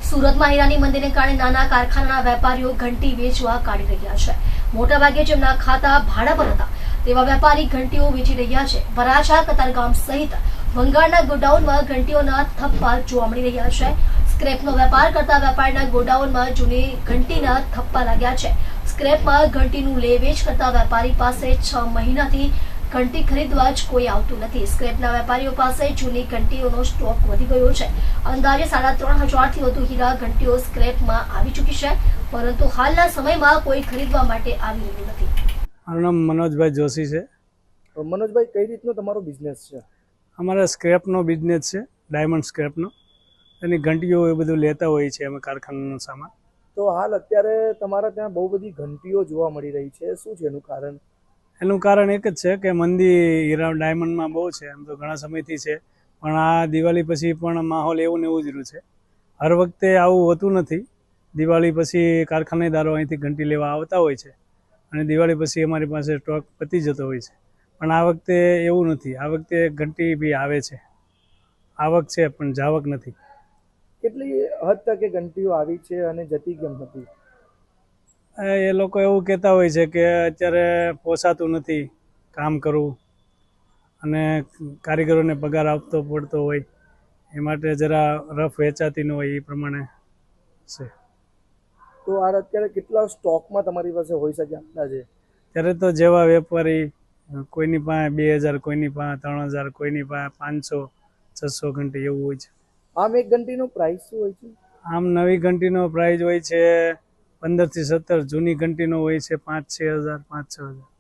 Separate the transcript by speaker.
Speaker 1: સુરતમાં હીરાની મંદીને કારણે નાના કારખાનાના વેપારીઓ ઘંટી વેચવા કાઢી રહ્યા છે. મોટાભાગે જેમના ખાતા ભાડા પર હતા તેવા વેપારી ઘંટીઓ વેચી રહ્યા છે. વરાછા, કતારગામ સહિત ભંગારના ગોડાઉનમાં ઘંટીઓના થપ્પા જોવા મળી રહ્યા છે. સ્ક્રેપનો વેપાર કરતા વેપારીના ગોડાઉનમાં જૂની ઘંટીના થપ્પા લાગ્યા છે. સ્ક્રેપમાં ઘંટીનું લે વેચ કરતા વેપારી પાસે 6 મહિનાથી ઘંટી ખરીદવા જ કોઈ આવતું નથી. સ્ક્રેપના વેપારીઓ પાસે જૂની ઘંટીઓનો સ્ટોક વધી ગયો છે. અંદાજે 3,500થી વધુ હીરા ઘંટીઓ સ્ક્રેપમાં આવી ચૂકી છે, પરંતુ હાલના સમયમાં કોઈ ખરીદવા માટે આવી રહ્યું નથી.
Speaker 2: મારું નામ મનોજભાઈ જોશી છે.
Speaker 3: મનોજભાઈ, કઈ રીતનો તમારો બિઝનેસ છે?
Speaker 2: અમારે સ્ક્રેપનો બિઝનેસ છે, ડાયમંડ સ્ક્રેપનો. એની ઘંટીઓ એ બધું લેતા હોઈએ છીએ અમે, કારખાનાનો સામાન.
Speaker 3: તો હાલ અત્યારે તમારા ત્યાં બહુ બધી ઘંટીઓ જોવા મળી રહી છે, શું છે એનું કારણ?
Speaker 2: એનું કારણ એક જ છે કે મંદી હીરા ડાયમંડમાં બહુ છે. એમ તો ઘણા સમયથી છે, પણ આ દિવાળી પછી પણ માહોલ એવું ને એવું જ રહ્યું છે. હર વખતે આવું હોતું નથી. દિવાળી પછી કારખાનેદારો અહીંથી ઘંટી લેવા આવતા હોય છે અને દિવાળી પછી અમારી પાસે સ્ટોક પતી જતો હોય છે. પણ આ વખતે એવું નથી. આ વખતે ઘંટી બી આવે છે, આવક છે પણ જાવક નથી.
Speaker 3: કેટલી હદ તક એ ઘંટીઓ આવી છે અને જતી કેમ નથી?
Speaker 2: એ લોકો એવું કહેતા હોય છે કે અત્યારે પોસાતું નથી કામ કરવું અને કારીગરોને પગાર આપતો પડતો હોય, એ માટે જરા રફ વેચાતી ન હોય એ પ્રમાણે છે.
Speaker 3: તો આ અત્યારે કેટલા સ્ટોકમાં તમારી પાસે હોઈ શકે અંદાજે?
Speaker 2: ત્યારે તો જેવા વેપારી, કોઈની પાસે 2,000, કોઈની પાસે 3,000, કોઈની પાસે 500-600 ઘંટી એવું હોય છે.
Speaker 3: આમ એક ઘંટીનો પ્રાઇસ શું હોય છે?
Speaker 2: આમ નવી ઘંટીનો પ્રાઇસ હોય છે 15 થી 17. જૂની ઘંટીનો હોય છે 5,000-6,000, 5,000.